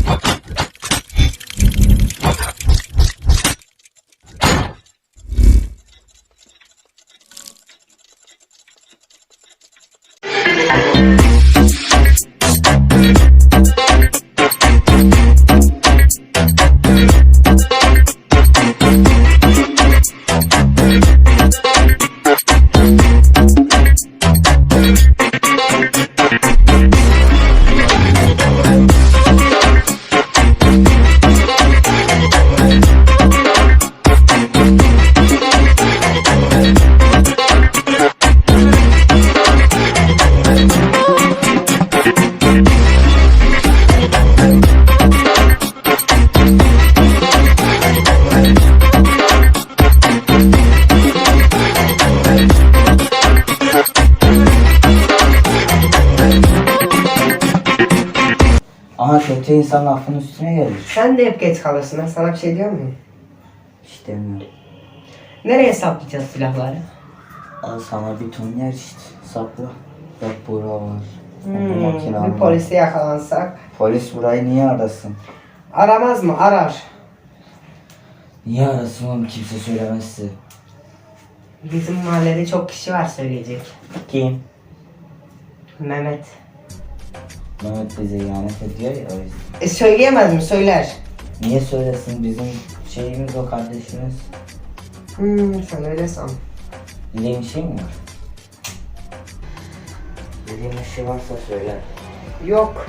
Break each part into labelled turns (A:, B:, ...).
A: Ama kötü insan lafın üstüne gelir.
B: Sen de hep geç kalırsın. Ben sana bir şey diyor muyum?
A: Hiç demiyorum.
B: Nereye saplayacağız silahları?
A: Al sana bir ton yer işte. Sapla. Bak bura var. Makine
B: Bir
A: var.
B: polise yakalansak.
A: Polis burayı niye arasın?
B: Aramaz mı? Arar.
A: Niye arasın oğlum, kimse söylemezse.
B: Bizim mahallede çok kişi var söyleyecek.
A: Kim?
B: Mehmet.
A: Mehmet bize ihanet ediyor ya, o yüzden.
B: Söyleyemez mi? Söyler.
A: Niye söylesin, bizim şeyimiz o, kardeşimiz.
B: Sen öyle san.
A: Bildiğin bir şey mi var? Bildiğin bir şey varsa söyle.
B: Yok.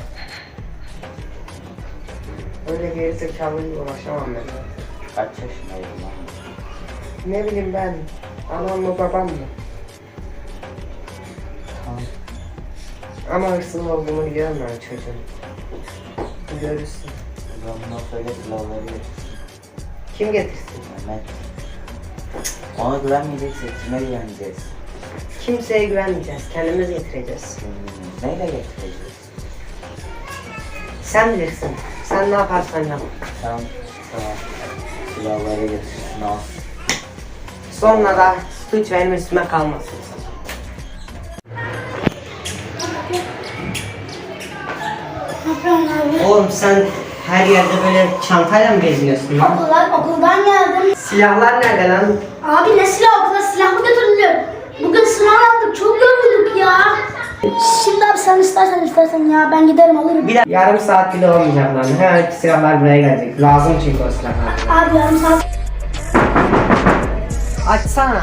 B: Öyle gerizekalıyla uğraşamam ben.
A: Kaç yaşındaydın lan?
B: Ne bileyim ben. Anam mı babam mı?
A: Tamam.
B: Ama hırsız olduğumu biliyorum ben çocuğun. Görürsün.
A: Ben bundan söyle, silahları getirsin.
B: Kim getirsin?
A: Mehmet. Ona güvenmeyeceksek kime güveneceğiz?
B: Kimseye güvenmeyeceğiz. Kendimiz getireceğiz.
A: Neyle getireceğiz?
B: Sen bilirsin. Sen ne yaparsan yap.
A: Tamam. Tamam. Silahları getirsin, al.
B: Sonra da suç benim üstüme kalmasın. Oğlum sen her yerde böyle çantayla mı geziniyorsun lan?
C: Okuldan geldim.
B: Silahlar nerede lan?
C: Abi ne silah, okula silah mı götürülüyor? Bugün sınav yaptık, çok yorulduk ya. Şimdi abi sen istersen ya ben giderim alırım.
B: Yarım saat bile olmayacak lan. Hemen silahlar buraya gelecek. Lazım çünkü o silahlar.
C: Abi yarım saat.
B: Açsana.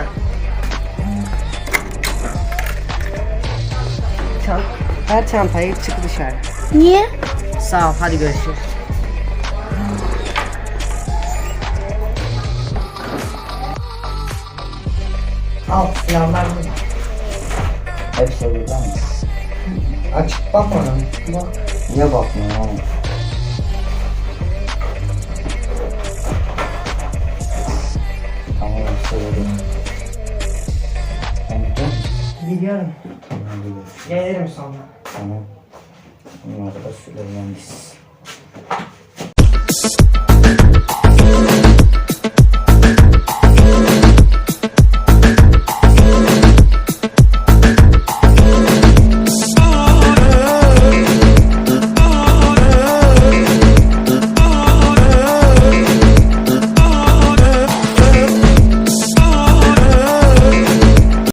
B: Ver çantayı, çık dışarı.
C: Niye?
B: Sağ ol, hadi görüşürüz. Al, silahlar burada.
A: Hepsi burada mı?
B: Açık bakma lan. Bak.
A: Niye bakmıyorsun oğlum? Tamam, hepsi burada.
B: Biliyorum.
A: Tamam, biliyorum.
B: Gelirim sonra.
A: Tamam. Bunları da söyleyelim biz.